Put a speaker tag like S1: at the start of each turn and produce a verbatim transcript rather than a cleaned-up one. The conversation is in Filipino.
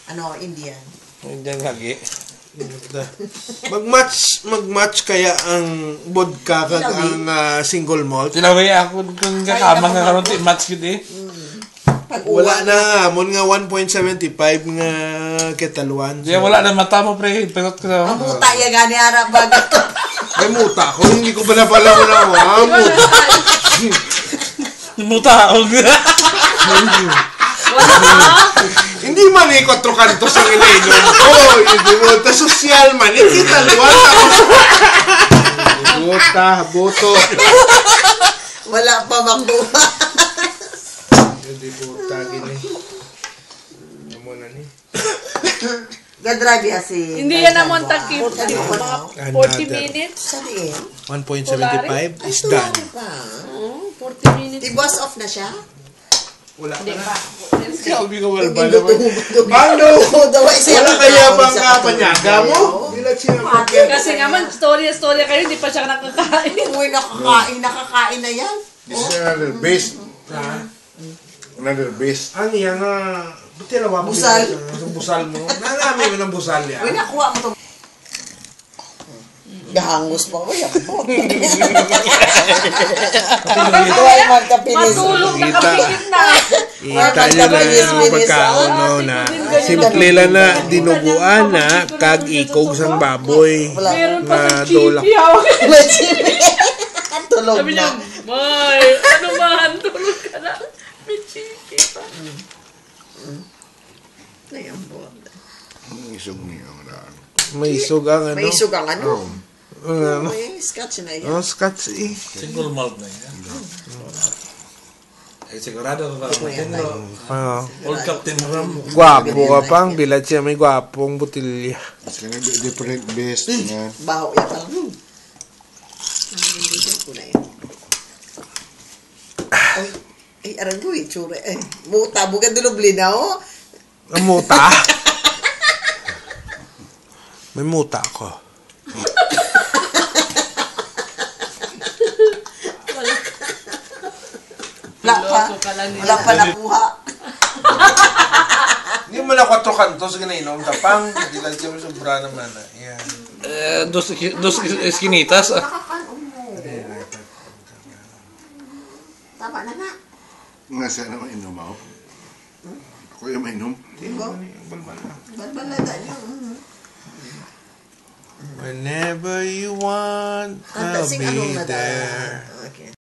S1: Ano, Indian.
S2: Indian lagi.
S3: Mag-match, mag-match kaya ang vodka kag ang uh, single malt.
S2: Tinaway ako kung kakamang nga karon ti match gid eh.
S3: Wala na nga, mon nga one point seven five nga ketaluan.
S2: Di wala na mata mo pre, pero ko.
S1: Ang muta ya gani ara bag.
S3: Ay muta ko, hindi ko pa na pala ko na wa muta.
S2: Muta og.
S3: Hindi man eh, kwatro kantos ang ininom ko. Hindi mo, ta sosyal man. Hindi taluan ako. Buta, buto.
S1: Wala pa makuha.
S3: Hindi buta, gini. Ano mo na ni?
S1: Gadrive ya si...
S4: Hindi yan naman takip. forty minutes.
S1: Sabihin?
S3: one point seven five is done.
S4: forty minutes.
S1: I-bus off na siya?
S3: Wala
S4: Hindi
S3: na.
S4: pa.
S3: Sabi ko, wala ba naman? Bando! Wala kaya bang kapanyaga mo?
S4: Kasi nga man, storya-storya kayo, hindi pa siya nakakain.
S1: Uy, nakakain, nakakain na yan.
S5: This is another base. Another base.
S3: Ano yan nga? Buti lawa mo.
S1: Busal.
S3: Ang busal mo. Nalami mo ng busal yan.
S1: Uy, nakuha mo ito. Gahangos pa ko yan. Huwag magkapinis.
S4: Matulog na kapikit na.
S3: Kita nyo na yung pagkaunaw na simple lang na dinuguan na kag ikog sang baboy.
S4: Meron pa
S3: na
S4: sa
S3: dolak.
S4: chipi.
S1: May chipi. Tulog
S4: Sabi niya,
S1: na.
S4: May, ano man, tulog ka na. May chipi pa.
S1: Ayan po.
S5: Isog niya ang daan.
S3: May isog ang ano.
S1: May isog ang ano.
S3: Ano?
S1: May scotch na yan.
S3: Oh, scotch eh.
S2: Single malt na yan. Eh, sigurado ka ba?
S3: Oh.
S2: Old Captain Ram.
S3: Gwapo ka pang bilad siya. May gwapong butilya.
S5: It's gonna be different base na.
S1: Baho yan pala. Hmm. Ang hindi ko na yan. Ay, ay, aran ko eh, tsura eh. Muta, bukan dulubli na oh.
S3: Ang muta. May muta ako.
S1: Wala pa. Wala pa nakuha.
S3: Hindi mo na kwatro kantos ginainom tapang. Bilad siya may sobra naman. Ayan.
S2: Eh, dos dos esquinitas.
S1: Tama na na.
S5: Nasa na mainom ako. Ako yung mainom.
S1: Diba? Balbalada niyo.
S3: Whenever you want,
S1: Kanta
S3: I'll
S1: sing anong
S3: be
S1: nada.
S3: there.